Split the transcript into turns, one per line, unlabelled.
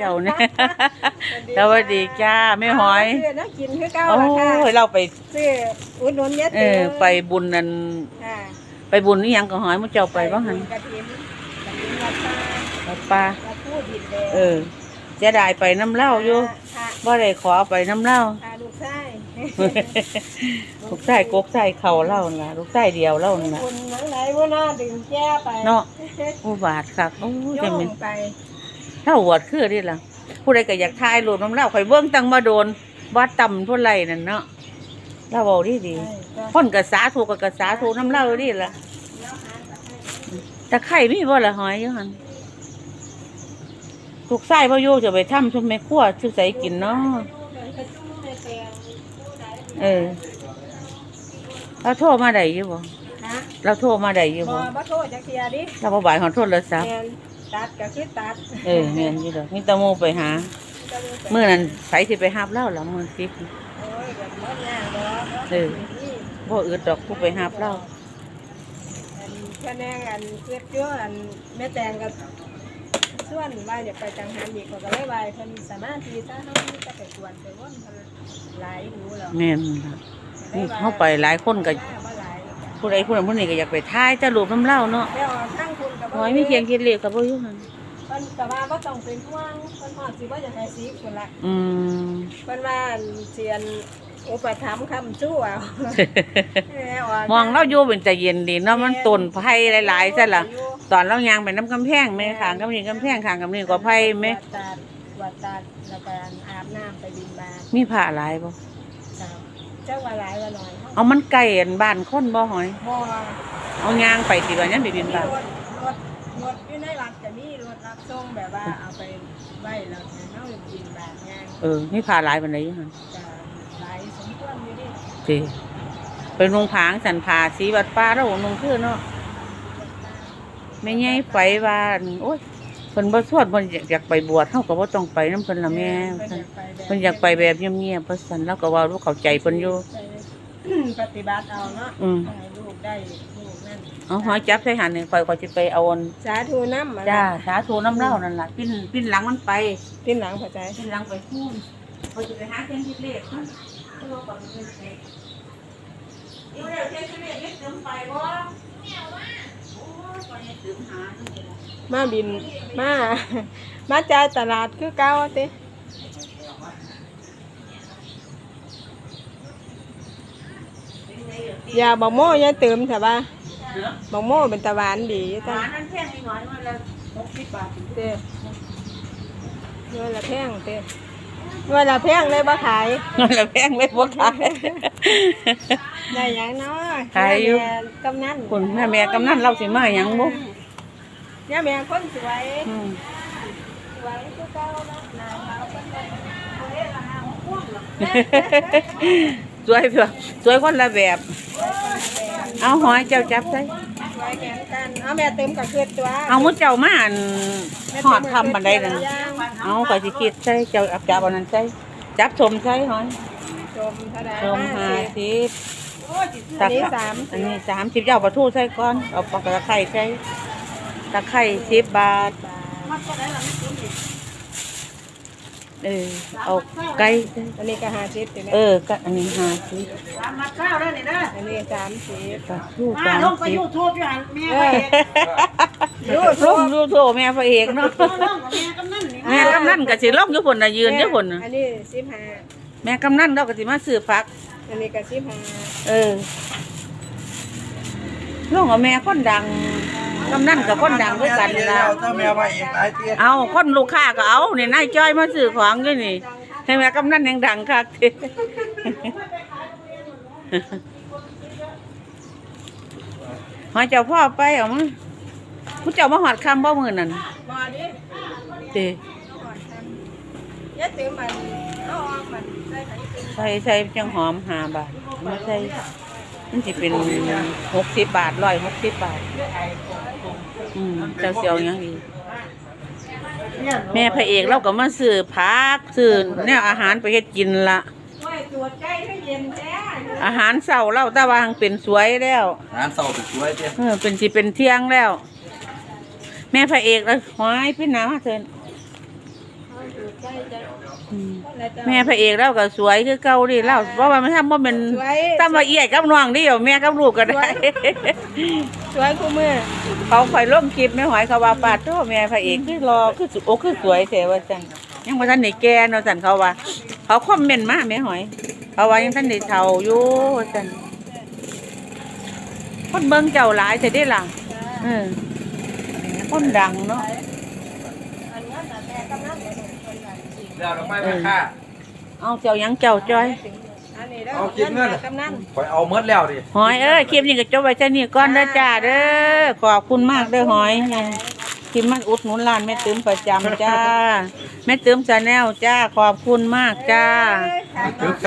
เจ้าเนี่ยสวัสดีจ้าแม่หอย
ซื้อน้ำกินคือเก่า
โอ้
ล่ะค่ะ
ยเราไป
ซื้ออุดหนุนเยอะ
ไปบุญนั่น
ค่ะ
ไปบุญนี่ยังก็หอยมื้อเจ้าไปบ่หั่น
กระถิ่นวัดป่า
วัดป่า
วัดผู้ดินแดง
เสียดายไปน้ำเหล้าอยู่
ค่ะ
บ่ได้ขอไปน้ำเหล้า
ค่ะลูกชาย
ลูกชายกกชายเข่าเหล้าน่ะลูกชายเดียวเหล้าน่ะ
คุณหนังไหนว่าน่าดึงแก้ไป
เนาะอุบาทคักโอ้ย
โย
จะ
ง
เป็น
ไป
เท่าหวดคือนี่ล่ะผู้ใดก็อยากทายรูปน้ำเหล้าข่อยเบิ่งตั้งมาโดนวัดต่ำพุ่นไรนั่นเนาะเราเว้าดีๆคนก็สาธุก็สาธุน้ำเหล้านี่ล่ะแต่ไข่มีบ่ล่ะหอยอยู่หั่นลูกชายบ่อยู่จะไปทำซุมแม่ครัวซื้อใส่กินเนาะเราโทรมาได้อยู่บ่เราโทรมาได้อยู่บ่
บ่โทษจักเทียดิ
เราบ่บ่ายของโทรศัพท์
แม่นตัดก็คือตัด
แม่นอยู่ดอกมีแตะโมไปหามื้อนั้นไผสิไปหาบเล่าล่ะมื้อสิ
โอ้ยแบบบ่ยากดอก
บ่อึดดอกผู้ไปหาบเล่า
อันแค่แนงอันเฮ็ดอยู่อันแม่แตงก็ส่วนว่าอยากไปจังหันอีกก็เลยว่าเพิ่นสามารถที่จะเฮาจะไปกวนไปวนเพิ่นหลายหูแล้ว
แม่นล่ะนี่เฮาไปหลายคนก็
บ่หลาย
ผู้ใดผู้นั้นผู้นี้ก็อยากไปถ่ายจะรูปน้ำเล่าเนาะ
แล้วทั้งคุณก็
หอยมีเคียงคิดเลขก็บ่อยู่หั่น
เพิ่นก็ว่าบ่ต้องเป็นห่วงเพิ่นฮอดสิบ่อยากให้สิพุ่นล่ะ
อืม
เพิ่นว่าเสียนอุปถัมภ์คำชู้เอา
มองเราอยู่เป็นใจเย็นดีเนาะมันต้นไผ่หลายๆซะล่ะตอนเราย่างไปน้ำกำแพงแม่ข้างกำนี้กำแพงข้างกำนี้ก็ไผ่แม่
วัดตาดแล้วก็อาบน้ำไปบิณฑบาต
มีผ้าหลายบ่
เจ้าว่าหลายว่าน้อย
เอามันใกล้อันบ้านคนบ่หอย
บ่
เอาย่างไปสิว่ายังไปบิน
มี
บาต
รถอยู่ในวัดจะมีรถรับส่งแบบว่าเอาไปไว้แล้วเฮาบิณฑบาตงาน
มีผ้าหลายปานใดอยู่หั่น
จะหลายสมควรอยู่ดิ
สิไปนุงผางสันผาสีวัดป่าแล้วนุงคือเนาะแม่ใหญ่ไฟว่าโอ้ยเพิ่นบ่สวดเพิ่นอยากไปบวชเฮาก็บ่ต้องไปนำเพิ่นล่ะแม่เพิ่นอยากไปแบบเงียบๆเพิ่นซั่นแล้วก็ว่ารู้เข้าใจเพิ่นอยู่
ปฏิบัติเอาเนาะ
อืม
ให้ลูกได้ลูกนั่น
เอาหอยจับใส่หันนี่ข่อยก็สิไปเอาอัน
สาธุน้ำ
จ้าสาธุน้ำเหล้านั่นล่ะปิ้นหลังมันไป
ทิ้นหลังพอใจ
ปิ้นหลังไปฮู้ข่อยสิไปหาเส้นที่เลขมันเอาก่อนเลยอีกแล้วเส้นที่เลขเฮ็ดเติมไปบ่แม่ว่าโอ้ยข่อยยังเติมหาอยู่นี่ล่ะ
มาบินมา มาจ่ายตลาดคือเก่าติอย่าบักโม่อย่าเติมแต่ว่าบักโม่เป็นตะหวานดี
ห
จ้ะ
วานนั่นแพงนิดหน่อยมันละ60 บาท
เต้เงินละแพงเต้เงินละแพงเลยบ่ขาย
มันละแพงเลยบ่ขาย
ได้หยังเนาะ
ขายอยู่
แม่กำนัน
คุณแม่กำนันเราสิมาหยังบ่
เนี่ยแม่คนสวย
อืม
สวยคือเก่าเนาะหน้าขาวเป็นคนเฮ็ดละหาห่วงหรอก
สวยเถอะสวยคนละแบบ เอาหอยเจ้าจับใส่
สวยแข่งกันเอาแม่เติมกับเพื่อนตัว
เอามุดเจ้ามาอันหอดทำบันไดนั่นเอาก็สิคิดใส่เจ้าจับเอานั้นใส่จับชมใส่หอย
ชมเท่าไหร่
ชม50
อันนี้
อันนี้30เจ้าปลาทูใส่ก่อนเอาปลากระไข่ใส่ตะไคร้10 บาทเอาไก่ใส่
อันนี้ก็50ติแม่
ก็อันนี้50
มาข้าวแล้วนี่นะ
อันนี้30
ปลาทู
มาลงไปยูทูบอยู่หันแม่
เอ
ไป
อ
ลงดูโถแม่พระเอกเนาะ
ลงกับแม่กำนันนี่
แม่กำนันก็สิลงอยู่พุ่นน่ะยืนอยู่พุ่นน่ะ
อันนี้15
แม่กำนันเราก็สิมาซื้อผัก
อันนี้ก็15
ลงกับแม่คนดังกำนันกับคนดังด้วยกันล่ะ
ถ้าแมวมาอีกหลายเตี้ย
เอาคนลูกค้าก็เอานี่นายจ้อยมาซื้อของอยู่นี่ให้แม่กำนันยังดังคักทีหอยเจ้าพ่อไปเอามาผู้เจ้ามาหอดคำบ่มื้อนั่น
บ่ดิ
ติ
อย่าเติมมันเอาออกมันใส่ไข่เติม
ใส่จังหอม5 บาทมาใส่มันสิเป็น60 บาท160 บาทเจ้าเสียวยังดีแม่พระเอกเราก็มาซื้อผักซื้อแนวอาหารไปเฮ็ดกินละ
โอ้ยตรวจใกล้ให้เย็นแท้
อาหารเช้าเราแต่ว่าหังเป็นสวยแล้ว
งานเศร้าติดช่วยเตี้ย
เป็นสิเป็นเที่ยงแล้ว แม่พระเอกเลยหอยพี่น้ามาเถิน
ถูกใจจ้ะ
อืม
คนละจ้ะ
แม่พระเอกแล้วก็สวยคือเก่าดิเล่าเพราะว่ามันทำบ่แม่น
สวย
ตามละเอียดกับน้องเดียวแม่กับลูกก็ได้
สวยคู่มือ
เขาข่อยลงคลิปแม่หอยเขาว่าปาดโตแม่พระเอกคือรอคือสุโอคือสวยแท้ว่าซั่นยังบ่ทันได้แก่เนาะซั่นเขาว่า เขาคอมเมนต์มาแม่หอย เขาว่ายังทันได้เฒ่าอยู่ว่าซั่นคนเบิ่งเจ้าหลายแต่ได้ล่ะเออคนดังเนาะ
อันนั้นน่ะแม่กำนันเนี่ยคนละสิ
เดี๋ยวเราไปแม่ค่า
เอาเจ้าหยังเจ้าจ้อย
อันนี้เด้อ
เอาคิดเงิน
กำนัน
คอยเอาเมดแล้วดิ
หอยเอ้ยคลิปนี้ก็จบไว้แค่นี้ก่อนเด้อจ้าเด้อขอบคุณมากเด้อหอยคลิปมันอุดหนุนร้านแม่ตื้มประจำจ้าแม่ตื้มชาแนลจ้าขอบคุณมากจ้า
เอ้ยขาย